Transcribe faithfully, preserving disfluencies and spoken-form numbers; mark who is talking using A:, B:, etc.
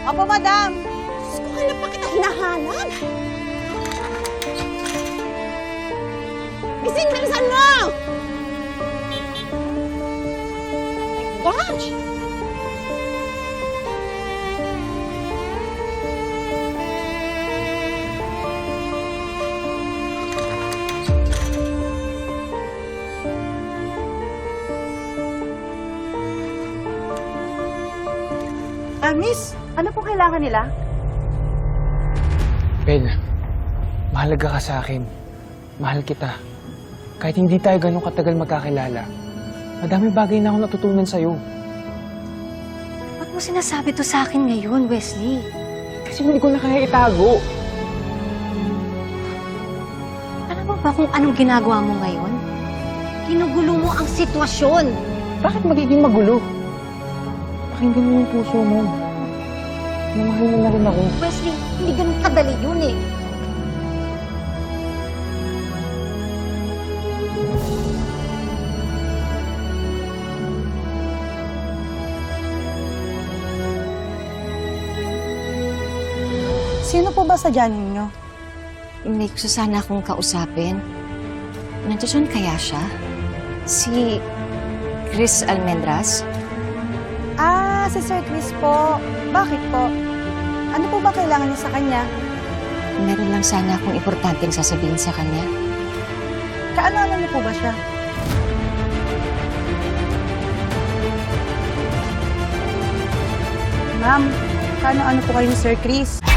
A: Opo, madam. Diyos ko, hanap pa kita hinahanap. Gising, bilisan mo! Gosh! Ah, miss, ano po kailangan nila?
B: Bel, mahalaga ka sa akin. Mahal kita. Kahit hindi tayo ganun katagal magkakilala, madami bagay na ako natutunan sa'yo.
C: Ba't mo sinasabi to sa akin ngayon, Wesley?
B: Kasi hindi ko na kaya itago.
C: Alam mo ba kung anong ginagawa mo ngayon? Ginugulo mo ang sitwasyon.
B: Bakit magiging magulo? Pakinggan mo yung puso mo. Namahal mo na rin ako.
C: Wesley, hindi ganun kadali yun eh.
A: Sino po ba sadya ninyo?
C: May gusto sana akong kausapin. Nandiyan kaya siya? Si Chris Almendras?
A: Ah, si Sir Chris po. Bakit po? Ano po ba kailangan niyo sa kanya?
C: Meron lang sana akong importanteng sasabihin sa kanya.
A: Kaano-ano niyo po ba siya? Ma'am, kaano-ano po kayo ni Sir Chris?